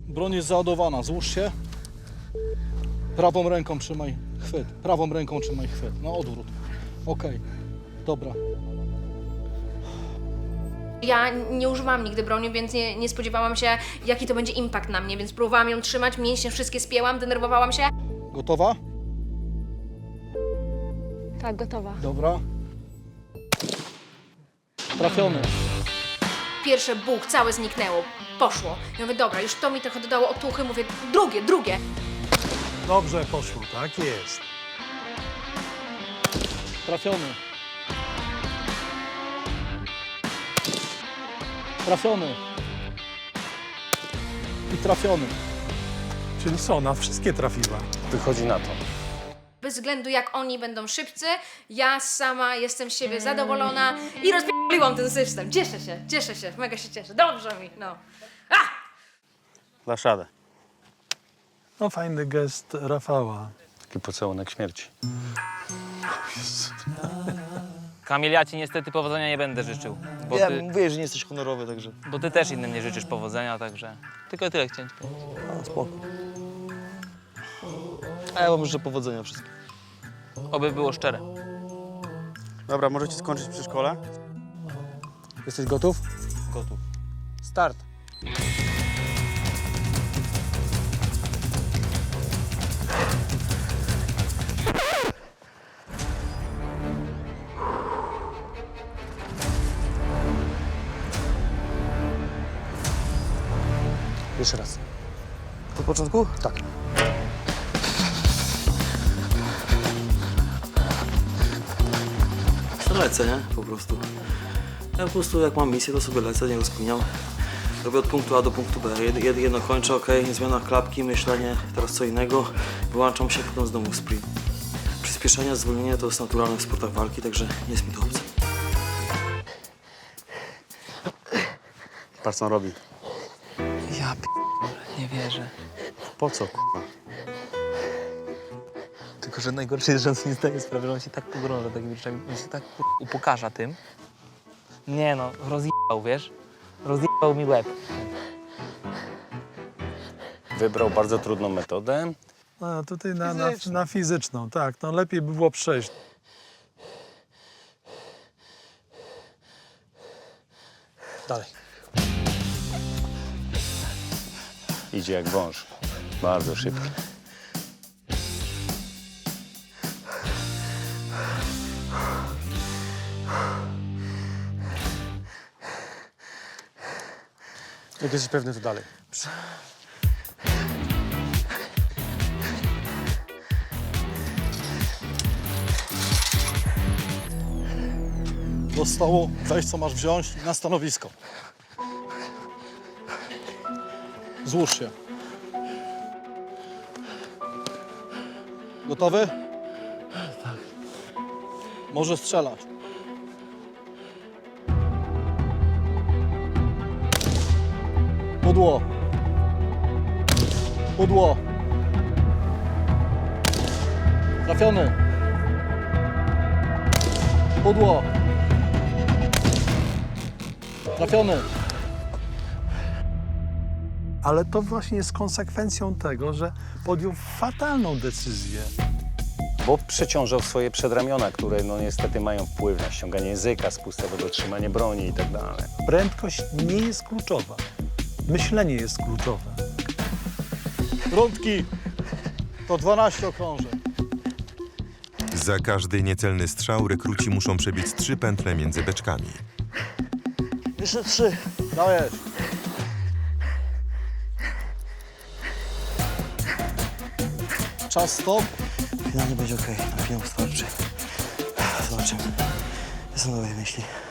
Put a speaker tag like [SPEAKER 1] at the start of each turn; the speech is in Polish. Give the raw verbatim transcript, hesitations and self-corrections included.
[SPEAKER 1] Broń jest załadowana, złóż się. Prawą ręką trzymaj chwyt. Prawą ręką trzymaj chwyt. No odwrót. Okej. Okay. Dobra.
[SPEAKER 2] Ja nie używałam nigdy broni, więc nie, nie spodziewałam się, jaki to będzie impact na mnie, więc próbowałam ją trzymać, mięśnie wszystkie spięłam, denerwowałam się.
[SPEAKER 1] Gotowa?
[SPEAKER 3] Tak, gotowa.
[SPEAKER 1] Dobra. Trafiony.
[SPEAKER 2] Pierwsze buch, całe zniknęło, poszło. Ja mówię, dobra, już to mi trochę dodało otuchy, mówię, drugie, drugie.
[SPEAKER 4] Dobrze poszło, tak jest.
[SPEAKER 1] Trafiony. Trafiony. I trafiony.
[SPEAKER 4] Czyli co, na wszystkie trafiła.
[SPEAKER 5] Wychodzi na to.
[SPEAKER 2] Bez względu jak oni będą szybcy, ja sama jestem z siebie zadowolona i rozpierdoliłam ten system. Cieszę się, cieszę się, mega się cieszę. Dobrze mi, no.
[SPEAKER 5] Dasz radę.
[SPEAKER 4] No fajny gest Rafała.
[SPEAKER 5] Taki pocałunek śmierci.
[SPEAKER 6] Kamil, ja ci niestety powodzenia nie będę życzył. Bo
[SPEAKER 7] Ja
[SPEAKER 6] ty,
[SPEAKER 7] mówię, że nie jesteś honorowy, także
[SPEAKER 6] bo ty też innym nie życzysz powodzenia, także tylko tyle chciałem ci powiedzieć.
[SPEAKER 7] no, spoko. A ja wam życzę powodzenia wszystkim.
[SPEAKER 6] Oby było szczere.
[SPEAKER 8] Dobra, możecie skończyć przy szkole.
[SPEAKER 1] Jesteś gotów?
[SPEAKER 6] Gotów.
[SPEAKER 1] Start. Jeszcze raz.
[SPEAKER 7] Od początku?
[SPEAKER 1] Tak.
[SPEAKER 7] Lecę, nie? Po prostu. Ja po prostu jak mam misję, to sobie lecę, nie rozkminiam. Robię od punktu A do punktu B. Jed, jed, jedno kończę, ok, zmiana klapki, myślenie, teraz co innego. Wyłączam się, potem znowu sprint. Przyspieszenie, zwolnienie to jest naturalne w sportach walki, także nie jest mi to obce.
[SPEAKER 8] Patrz, co on robi.
[SPEAKER 6] Ja p... nie wierzę.
[SPEAKER 8] Po co, k***a?
[SPEAKER 6] Tylko, że najgorsze jest, że on sobie nie zdaje sprawy, że on się tak pogrąża takimi rzeczami, on się tak upokarza tym. Nie no, rozjebał, wiesz? Rozjebał mi łeb.
[SPEAKER 5] Wybrał bardzo trudną metodę.
[SPEAKER 4] A tutaj na, na, na fizyczną, tak. No lepiej by było przejść.
[SPEAKER 1] Dalej.
[SPEAKER 5] Idzie jak wąż. Bardzo szybki.
[SPEAKER 1] Jak jesteś pewny, to dalej. Zostało weź, co masz wziąć i na stanowisko. Złóż się. Gotowy? Tak. Może strzelać. Pudło. Pudło. Trafiony. Pudło. Trafiony.
[SPEAKER 4] Ale to właśnie jest konsekwencją tego, że podjął fatalną decyzję.
[SPEAKER 5] Bo przeciążał swoje przedramiona, które no niestety mają wpływ na ściąganie języka, spustowego trzymanie broni i tak dalej.
[SPEAKER 4] Prędkość nie jest kluczowa. Myślenie jest kluczowe.
[SPEAKER 1] Rundki. To dwanaście okrążeń.
[SPEAKER 9] Za każdy niecelny strzał rekruci muszą przebiec trzy pętle między beczkami.
[SPEAKER 7] Jeszcze trzy.
[SPEAKER 1] Dajesz. Czas stop.
[SPEAKER 7] Finalnie będzie ok, na finał starczy. Zobaczymy. Jestem nowej myśli.